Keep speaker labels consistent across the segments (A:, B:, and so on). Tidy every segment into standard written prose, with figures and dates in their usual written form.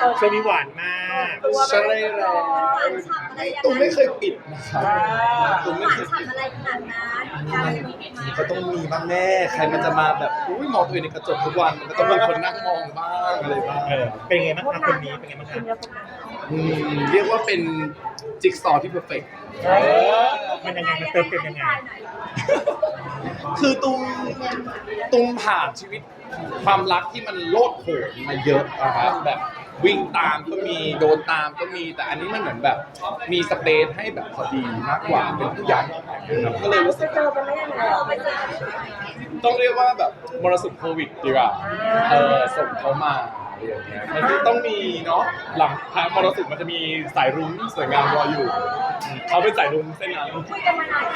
A: ช่วงนี้หวานมาก
B: ใช่แล้วตุ้มไม่เคยปิดนะครับตุ้มไม่เคยปิด
C: อะไรขนาดนั้นการมีไหม
B: ก็ต้องมีบ้างแน่ใครมันจะมาแบบอุ้ยมองตัวเองในกระจกทุกวันมันก็ต้องมีคนนั่งมองบ้างอะไรบ้าง
A: เป็นไงบ้างคะคนนี้เป็นไงบ้างคะ
B: เรียกว่าเป็นจิ๊กซอว์ที่เพอร์เฟกต์
A: มันยังไงมันเติมเต็มยังไง
B: คือตุ้มผ่านชีวิตความรักที่มันโลดโผนมาเยอะนะครับแบบวิ่งตามก็มีโดนตามก็มีแต่อันนี้มันเหมือนแบบมีสเปซให้แบบพอดีมากกว่าเป็นผู้ใหญ่นะครับก็เลยรู้สึก
C: เจอกันได้ยังไงไปเจอ
B: ต้องเรียกว่าแบบมรสุมโควิดดีกว่าส่งเขามาอะไรอย่างเงี้ยมันก็ต้องมีเนาะหลังพามรสุมมันจะมีสายรุ้งสวยงามรออยู่เขาเป็นสายรุ้งเส้นนั้น
C: คุยกันมานาน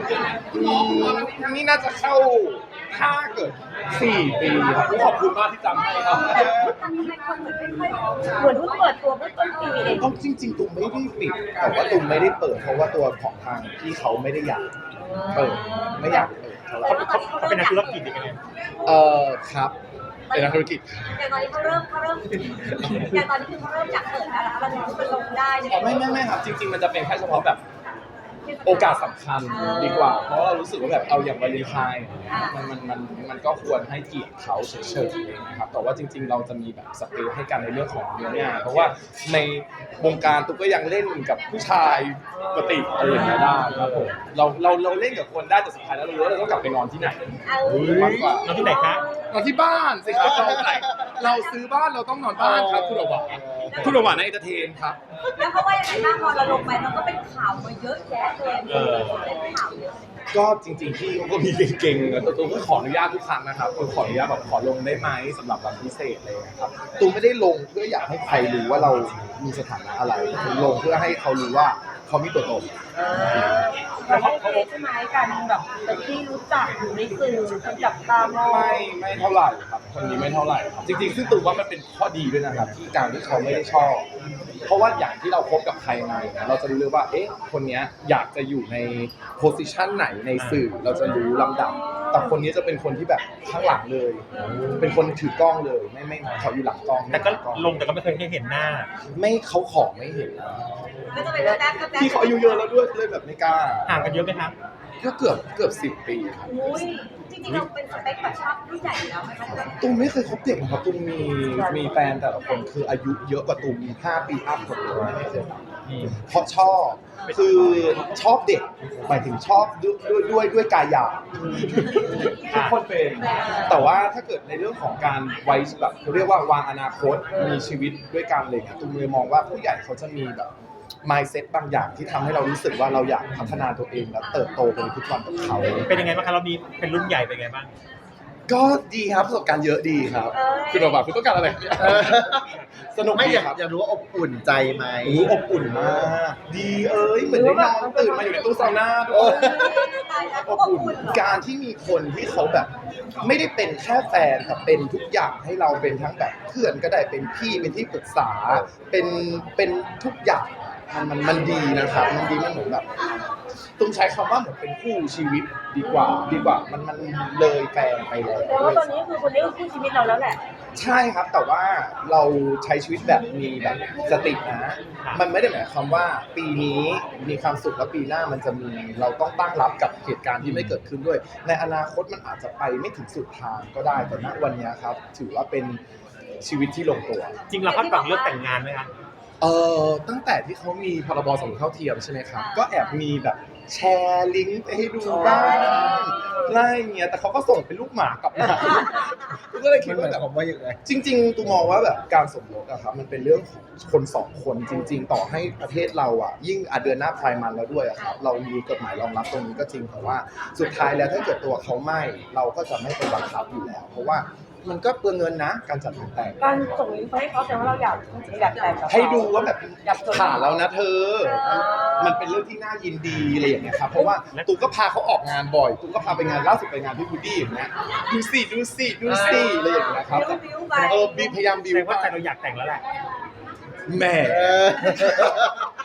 B: นี่น่าจะเข้าถ้าเกิด4 ปีครับขอบคุณมากที่จำให้ครับ
C: ทำไมคนเหมือนไม่ค่อยเหมือนเพิ่งเปิดตัวเมื่อต้นปีเอง
B: ต้องจริงๆตุ้มไม่ได้ปิดแต่ว่าตุ้มไม่ได้เปิดเพราะว่าตัวของทางพี่เขาไม่ได้อยากเปิดไม่อยากเปิดเท่าไหร่
A: เขาเป็นนักธุรกิจยังไง
B: ครับเป็นนักธุรกิจ
C: อย่างตอนนี้เขาเริ่มอย่างตอนนี้คือเขาเริ่มจากเปิดแล้วเราถึงจะลงได้เนี่ย
B: ไม่ครับจริงๆมันจะเป็นแค่เฉพาะแบบโอกาสสำคัญดีกว่าเพราะเรารู้สึกว่าแบบเอาอย่างวาเลนไทน์มันก็ควรให้เกียรติเขาเฉยๆนะครับแต่ว่าจริงๆเราจะมีแบบสเปซให้กันในเรื่องของเนื้องานเพราะว่าในวงการตุ๊กก็ยังเล่นกับผู้ชายปกติอะไรอย่างเงี้ยได้ครับผมเราเล่นกับคนได้แต่สุดท้ายแล้วเรารู้ว่าเราต้องกลับไปนอนที่ไหนมากกว่า
A: นอนที่ไหนคะ
B: นอนที่บ้านสิครับเราซื้อบ้านเราต้องนอนบ้านครับคุณหวานคุณหวานในเอนเตอร์เทนครับ
C: แล้วเขาว่ายังไงบ้างพอเราลงไปมันก็เป็นข่าวมาเยอะแยะเลยเป็นข่าวเยอะ
B: ก็จริงๆพี่เขาก็มีเก่งๆแต่ตูมก็ขออนุญาตทุกครั้งนะครับขออนุญาตแบบขอลงได้ไหมสำหรับวันพิเศษอะไรเลยครับตูมไม่ได้ลงเพื่ออยากให้ใครรู้ว่าเรามีสถานะอะไรตูมลงเพื่อให้เขารู้ว่าเขามีตัวตน
C: เราโอเคใช่ไหมการแบบเป็นที่รู้จักอยู่ในสื่อคนจับตามอง
B: ไม่เท่าไหร่ครับคนนี้ไม่เท่าไหร่ครับจริงๆซึ่งตูมว่ามันเป็นข้อดีด้วยนะครับที่การที่เขาไม่ได้ชอบ เพราะว่าอย่างที่เราคบกับใครมาเนี่ยเราจะรู้เลยว่าเอ๊ะคนเนี้ยอยากจะอยู่ในโพสิชันไหนในสื่อเราจะรู้ลำดับ แต่คนนี้จะเป็นคนที่แบบข้างหลังเลย เป็นคนถือกล้องเลยไม่เขาอยู่หลังกล้อง
A: แต่ก็ลงแต่ก็ไม่เคยให้เห็นหน้า
B: ไม่เขาขอไม่เห็นนะ
C: ก็จะเป็นแป๊บๆ
B: พี่เขาอายุเยอะแล้วด้วยเลยแบบไม่กล้า
A: ห่างกันเยอะไหมครับ
B: ก็เกือบ10 ปีครับ
C: อุ้ยจริงๆเราเป็นสเปคแบบชอบผู้ใหญ่แล้วไหมคะ
B: ตุ้มไม่เคยคบเด็กนะครับตุ้มมีแฟนแต่ละคนคืออายุเยอะกว่าตุ้ม5 ปีอัพหมดเลยไม่เคยเพราะชอบคือชอบเด็กหมายถึงชอบด้วยกายหยาบทุกคนเป็นแต่ว่าถ้าเกิดในเรื่องของการไว้แบบเขาเรียกว่าวางอนาคตมีชีวิตด้วยกันเลยตุ้มเลยมองว่าผู้ใหญ่เขาจะมีแบบ mindset บางอย่างที่ทำให้เรารู้สึกว่าเราอยากพัฒนาตัวเองและเติบโตไปในทุกวันกับเขา
A: เป็นยังไงบ้างคะเรามีเป็นรุ่นใหญ่เป็นยังไงบ้าง
B: ก็ดีครับประสบการณ์เยอะดีครับคุณบอกว่าคุณต้องการอะไรสนุก
D: ไม่
B: ดี
D: อยาก
B: ครับ
D: อยากรู้ว่าอบอุ่นใจไหม
B: อบอุ่นมากดีเหมือนได้นอนตื่นมาอยู่ในตู้ซาวน่าด้วยอบอุ่นการที่มีคนที่เขาแบบ ไม่ได้เป็นแค่แฟนแต่เป็นทุกอย่างให้เราเป็นทั้งแบบเพื่อนก็ได้เป็นพี่เป็นที่ปรึกษาเป็นทุกอย่างมันดีนะครับมันดีมันเหมือนแบบต้องใช้คำว่าเหมือนเป็นคู่ชีวิตดีกว่ามันเลยแฟนไปแล้ว
C: แต่ว่าตอนนี้คือคนนี้คือคู่ชีวิตเราแล้วแหละ
B: ใช่ครับแต่ว่าเราใช้ชีวิตแบบมีแบบสตินะมันไม่ได้หมายความว่าปีนี้มีความสุขแล้วปีหน้ามันจะมีเราต้องตั้งรับกับเหตุการณ์ที่ไม่เกิดขึ้นด้วย ในอนาคตมันอาจจะไปไม่ถึงสุดทางก็ได้แต่ณวันนี้ครับถือว่าเป็นชีวิตที่ลงตัว
A: จริงเราคาดหวังเรื่องแต่งงานไหมคะ
B: ตั้งแต่ที่เขามีพรบสมรสเท่าเทียมใช่ไหมครับก็แอบมีแบบแชร์ลิงก์ไปให้ดูบ้างอะไรเงี้ยแต่เขาก็ส่งเป็นลูกหมากลับมาก็เลยคิ
D: มั
B: ด
D: นหมา
B: ว่าย แบบ
D: ความว่าอย่างไร
B: จริงๆตูมองว่าแบบการสมรสอะครับมันเป็นเรื่องของคน2 คนจริง ๆ ต่อให้ประเทศเราอะยิ่งเดือนหน้าไพร์มันแล้วด้วยอะครับเรามีกฎหมายรองรับตรงนี้ก็จริงแต่ว่าสุดท้ายแล้วถ้าเกิดตัวเขาไม่เราก็จะไม่ไปบังคับอยู่แล้ว เพราะว่ามันก็เปลืองเงินนะการจัดงานแต่ง
C: การส่งลิงก์ไปให้เขาแต่ว่าเราอยากแต่งกับเขา
B: ให้ดูว่าแบบผ่านแล้วนะเธอ มันเป็นเรื่องที่น่ายินดีอะไรอย่างเงี้ยครับเพราะว่าตูก็พาเขาออกงานบ่อยตูก็พาไปงานล่าสุดไปงานพี่บูดดี้อย่างเงี้ยดูสิอะไรอย่างเงี้ยครับ
C: บิ้วไป
B: บีพยายามบิว
A: แสดงว่าใจเราอยากแต่งแล้วแหละ
B: แหม่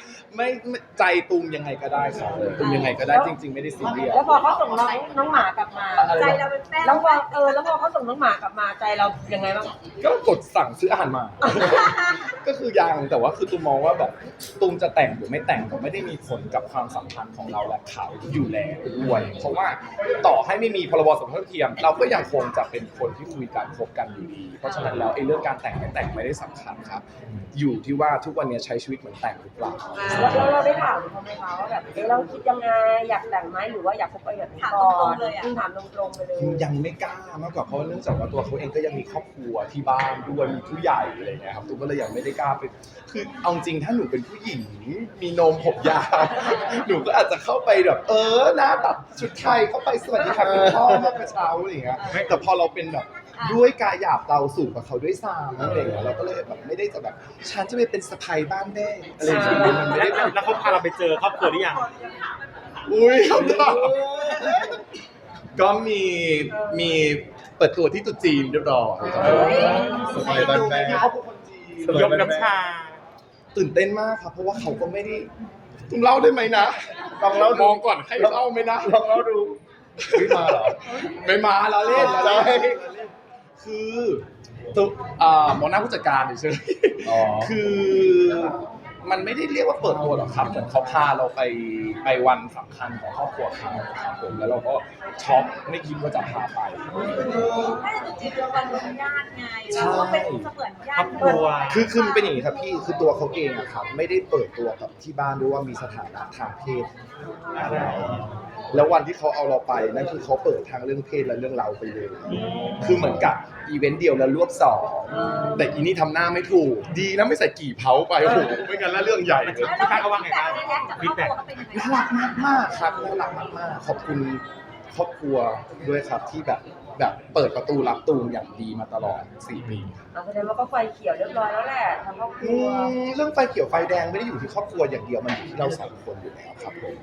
B: ไม่ใจตูมยังไงก็ได้ครับตูมยังไงก็ได้จริง ๆไม่ได้ซีเรียส
C: แล้วพอเขาส่งน้องหมากลับมา
B: อะไรนะ
C: ใจเราเป็นแป้งแล้วพอแล้วพอเขาส่งน้องหมากลับมาใจเรายังไงบ้าง
B: ก็กดสั่งซื้ออาหารมา ก็คือยังแต่ว่าคือตูมมองว่าแบบตูมจะแต่งหรือไม่แต่งก็ไม่ได้มีผลกับความสัมพันธ์ของเราและเขาอยู่แล้วด้วยเพราะว่าต่อให้ไม่มีพรบสมรสเท่าเทียม เราก็ยังคงจะเป็นคนที่คุยกันคบกันอยู่ดีเพราะฉะนั้นแล้วไอ้เรื่องการแต่งไม่แต่งไม่ได้สำคัญครับ อยู่ที่ว่าทุกวันนี้ใช้ชีวิตเหมือนแต่งหรือเปล่า
C: แล้วเราได้ถามเขาไหมคะว่าแบบเราคิดยังไงอยากแต่งไหมหรือว่าอยากคบไปแบบนี้ก่อนถามตรงๆไปเลย
B: ยังไม่กล้ามากกว่าเพราะเนื่องจากว่าตัวเขาเองก็ยังมีครอบครัวที่บ้านด้วยมีผู้ใหญ่อะไรเงี้ยครับตูมก็เลยยังไม่ได้กล้าไปคือเอาจริงถ้าหนูเป็นผู้หญิงมีนมผมยาว หนูก็อาจจะเข้าไปแบบหน้าตัดชุดไทยเข้าไปสวัสดีครับคุณพ่อเมื่อกระเช้าอะไรอย่างเงี้ยแต่พอเราเป็นแบบด้วยกายหยาบเราสูงกว่าเขาด้วยซ้ำอะไรอย่างเงี้ยเราก็เลยแบบไม่ได้จะแบบฉันจะไปเป็นสะใภ้บ้านแม่อะไรอย่างเงี้ยมันไม่ได้แบบ
A: แล้วเขาพาเราไปเจอครอบครัวหรือยัง
B: อุ้ยเขาถามก็มีเปิดตัวที่ตุ๊จีนเรียบร้อย
D: สบายบ้านแม่
B: เขาเป็นคนจีน
A: ยกน้ำชา
B: ตื่นเต้นมากครับเพราะว่าเขาก็ไม่ได้คุณเล่าได้ไหมนะลองเล่ามองก่อนให้เล่าไหมนะลองเล่าดู
D: ไม่มาเหรอ
B: ไม่มาเราเล่น
D: ใช่
B: คือตัวหมอหน้าผู้จัดการเฉย
D: อ๋อ
B: ๆคือมันไม่ได้เรียกว่าเปิดตัวหรอกครับเหมือนเขาพาเราไปวันสำคัญของครอบครัวเขาครับผมแล้วเราก็ช็อกไม่คิดว่าจะพาไป
C: ถ้าจะจริงๆวันเป็นญาติไง
B: ใช่
C: เราก็เป็นเสมือนญา
A: ครอ
C: ติ
A: บครัว
B: คือมันเป็นอย่างนี้ครับพี่คือตัวเขาเองอะครับไม่ได้เปิดตัวกับที่บ้านด้วยว่ามีสถานะทางเพศอะไรแล้ววันที่เขาเอาเราไปนั่นคือเขาเปิดทางเรื่องเพศและเรื่องเราไปเลยคือเหมือนกับอีเวนต์เดียวแล้วรวบสองแต่อีนี่ทำหน้าไม่ถูกดีนะไม่ใส่กี่เผาไปโอ้โหไม่งั้นแล้วเรื่องใหญ่เลย
A: พี่แป๊กเขาว่าไงบ้างฟีดแบ็ก
B: น่ารักมากๆครับน่ารักมากๆขอบคุณครอบครัวด้วยครับที่แบบเปิดประตูรับตูมอย่างดีมาตลอด4 ปี
C: แสดงว่าก็ไฟเขียวเรียบร้อยแล้วแหละทางครอบครัว
B: เรื่องไฟเขียวไฟแดงไม่ได้อยู่ที่ครอบครัวอย่างเดียวมันอยู่ที่เราสองคนอยู่แล้วครับผม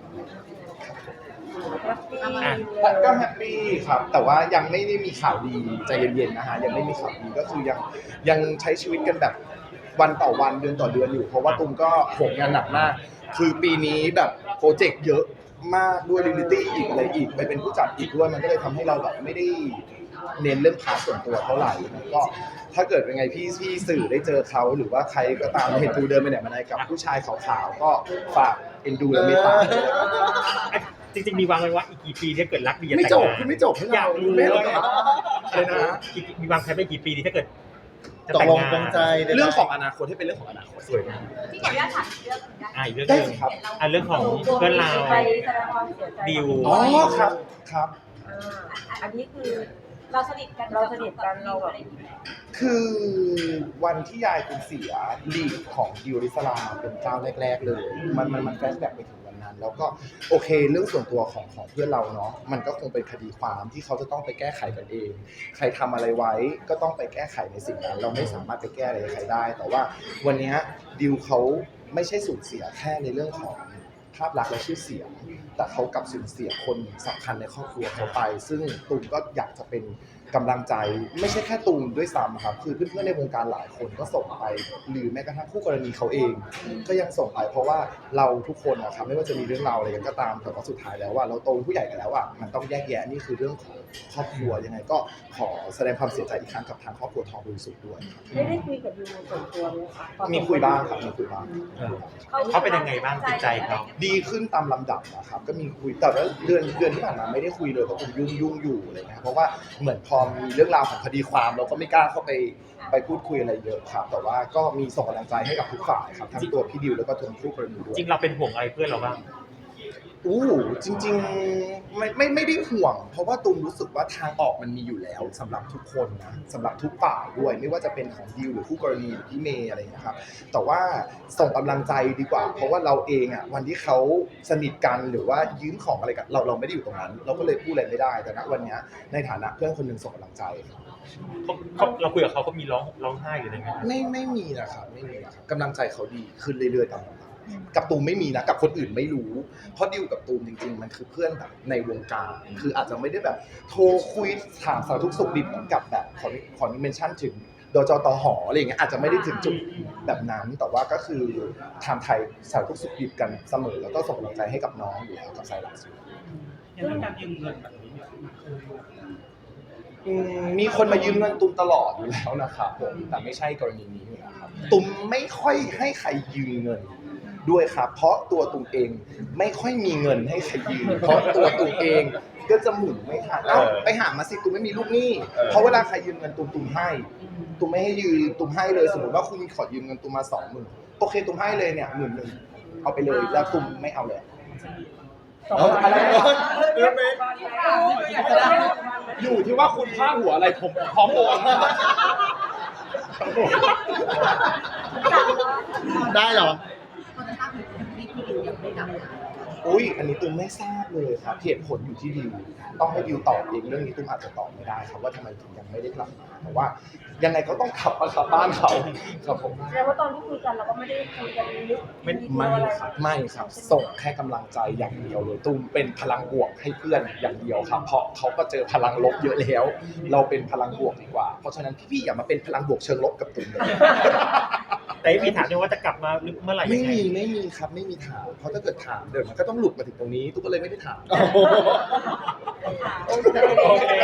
B: ก็แฮปปี้ครับ แต่ว่ายังไม่ได้มีข่าวดีใจเย็นๆนะฮะยังไม่มีข่าวดีก็คือยังใช้ชีวิตกันแบบวันต่อวันเดือนต่อเดือนอยู่เพราะว่าตุ้มก็โหมงานหนักมาก คือปีนี้แบบโปรเจกต์เยอะมากด้วยรีลิตี้อีกอะไรอีกไปเป็นผู้จัดอีกด้วยมันก็เลยทำให้เราแบบไม่ได้เน้นเรื่องพาร์ทส่วนตัวเท่าไหร่ก็ถ้าเกิดเป็นไงพี่สื่อได้เจอเขาหรือว่าใครก็ตามเห็นตูเดินไปไหนมาไหนกับผู้ชายขาวๆก็ฝากเอ็นดูและเมตตาด้วยนะครับ
A: จริงๆมีวางไว้ว่าอีกกี่ปีถ้าเกิดรักดีจะ
B: ไม่
A: แต่ง
B: จบ
A: งาน
B: คือไม่จบให้
A: อยา
B: เรา
A: กรู้
B: ไม่
A: เล
B: เลย
A: ย
B: อะไรนะ
A: มีวางแผนไปกี่ปีดีถ้าเกิดจะ
D: ตก
A: แต่ง
D: ลง
A: งาน
D: ปรงใจได้ไหม
B: เรื่องของอนาคตให้เป็นเรื่องของอนาคต
A: สวยมาก
C: ที่ขออนุญาตถามอีกเรื่องหนึงได้
A: อีกเรื่องห
B: ได้
A: นึง
B: สิครับ
A: เรื่องของเพื่อนเรา
C: ไปแสดงความเสียใจ
A: ดิว
B: อ๋อครับครับ
C: อันนี้คือเราสนิทกันเราแบบ
B: คือวันที่ยายคุณเสียลีดของดิวริสลามาเป็นเจ้าแรกๆเลย มันแฟลชแบ็กไปถึงวันนั้น แล้วก็โอเคเรื่องส่วนตัวของเพื่อนเราเนาะมันก็คงเป็นคดีความที่เขาจะต้องไปแก้ไขกันเอง ใครทำอะไรไว้ก็ต้องไปแก้ไขในสิ่งนั้น เราไม่สามารถไปแก้อะไรใครได้ แต่ว่าวันนี้ดิวเขาไม่ใช่สูญเสียแค่ในเรื่องของภาพลักษณ์และชื่อเสียง แต่เขากลับสูญเสียคนสำคัญในครอบครัวเขาไป ซึ่งตูมก็อยากจะเป็นกำลังใจไม่ใช่แค่ตูมด้วยซ้ำครับคือเพื่อนๆในวงการหลายคนก็ส่งไปหรือแม้กระทั่งคู่กรณีเขาเอง ก็ยังส่งไปเพราะว่าเราทุกคนนะครับไม่ว่าจะมีเรื่องราวอะไรกันก็ตามแต่ว่าสุดท้ายแล้วว่าเราโตเป็นผู้ใหญ่กันแล้วอ่ะมันต้องแยกแยะนี่คือเรื่องของครอบครัวยังไงก็ขอแสดงความเสียใจอีกครั้งกับทางครอบครัวทองบริสุทธิ์ด้วยครับ
C: ไม่ได้คุยกับยูส่วนตัวเลยค่ะ
B: มีคุยบ้างครับมีคุยบ้าง
A: เขาเป็นยังไงบ้างจิตใจเขา
B: ดีขึ้นตามลำดับนะครับก็มีคุยแต่ว่าเดือนที่ผ่านมาไม่ได้คุยเลยเพราะผมยุ่งอยู่อะไรเงี้ยเพราะว่าเหมือนพอมีเรื่องราวของคดีความเราก็ไม่กล้าเข้าไปพูดคุยอะไรเยอะครับแต่ว่าก็มีส่งกำลังใจให้กับทุกฝ่ายครับทั้งตัวพี่ดิวแล้วก็ตัวคู่กรณีด้วย
A: จริงเราเป็นห่วงอะไรเพื่อนเราบ้าง
B: จริงๆไม่ได้ห่วง เพราะว่าตูมรู้สึกว่าทางออกมันมีอยู่แล้วสำหรับทุกคนนะสำหรับทุกฝ่ายด้วยไม่ว่าจะเป็นของดิวหรือคู่กรณีหรือพี่เมย์อะไรอย่างเงี้ยครับแต่ว่าส่งกำลังใจดีกว่า เพราะว่าเราเองอ่ะวันที่เขาสนิทกันหรือว่ายืมของอะไรกันเราไม่ได้อยู่ตรงนั้น เราก็เลยพูดอะไรไม่ได้แต่ณวันเนี้ยในฐานะเพื่อนคนหนึ่งส่งกำลังใจครับ
A: เราคุยกับเขามีร้องไห้หรืออะไรไหม
B: ไม่มีนะครับไม่มีนะครับกำลังใจเขาดีขึ้นเรื่อยๆตามลำดับกับตูมไม่มีนะกับคนอื่นไม่รู้เพราะดิวกับตูมจริงๆมันคือเพื่อนแบบในวงการคืออาจจะไม่ได้แบบโทรคุยถามสารทุกข์สุขดิบเหมือนกับแบบขอเมนชั่นถึงโดยจตหอะไรอย่างเงี้ยอาจจะไม่ได้ถึงจุดแบบนั้นแต่ว่าก็คือทำไทยสารทุกสุขดิบกันเสมอแล้วก็ส่งกำลังใจให้กับน้องอยู่แล้วกับไซรัส
E: อย่างเรื่องการยืมเงินแบบนี้เนี่ย
B: มีคนมายืมเงินตุ้มตลอดอยู่แล้วนะครับผมแต่ไม่ใช่กรณีนี้นะครับตุ้มไม่ค่อยให้ใครยืมเงินด้วยครับเพราะตัวตุ้มเองไม่ค่อยมีเงินให้ใครยืมเพราะตัวตุ้มเองก็จะหมุนไม่ทันเอ้าไปหามาสิตุ้มไม่มีลูกหนี้เพราะเวลาใครยืมเงินตุ้มให้ตุ้มไม่ให้ยืมตุ้มให้เลยสมมติว่าคุณขอยืมเงินตุ้มมา20,000โอเคตุ้มให้เลยเนี่ย10,000เอาไปเลยแล้วตุ้มไม่เอาเลยอะไรอยู่ที่ว่าคุณพลาดหัวอะไรผมพร้อมโอน
D: ได้เหรอ
B: อุ้ยอันนี้ตุ้มไม่ทราบเลยครับเหตุผลอยู่ที่ดิวต้องให้ดิวตอบเองเรื่องนี้ตุ้มอาจจะตอบไม่ได้ครับว่าทำไมถึงยังไม่ได้กลับมาแต่ว่ายังไงก็ต้องขับมาขับบ้านเขาครับผม
C: แสดงว่าตอนที่คุยกันเราก็ไม่ได้คุยกันลึก
B: ไม่ครับไม่ครับส่งแค่กำลังใจอย่างเดียวเลยตุ้มเป็นพลังบวกให้เพื่อนอย่างเดียวครับเพราะเขาก็เจอพลังลบเยอะแล้ว เราเป็นพลังบวกดีกว่าเพราะฉะนั้นพี่ๆอย่ามาเป็นพลังบวกเชิงลบกับตุ้มเลย
A: แต่ไม่มีถามด้วยว่าจะกลับมาเมื่อไหร่
B: ไม่
A: ยังไง
B: มีครับไม่มีถามเพราะถ้าเกิดถามเดี๋ยวมันก็ต้องหลุดมาถึงตรงนี้ตุ้มก็เลยไม่ได้ถาม
C: โอเค
A: โอเค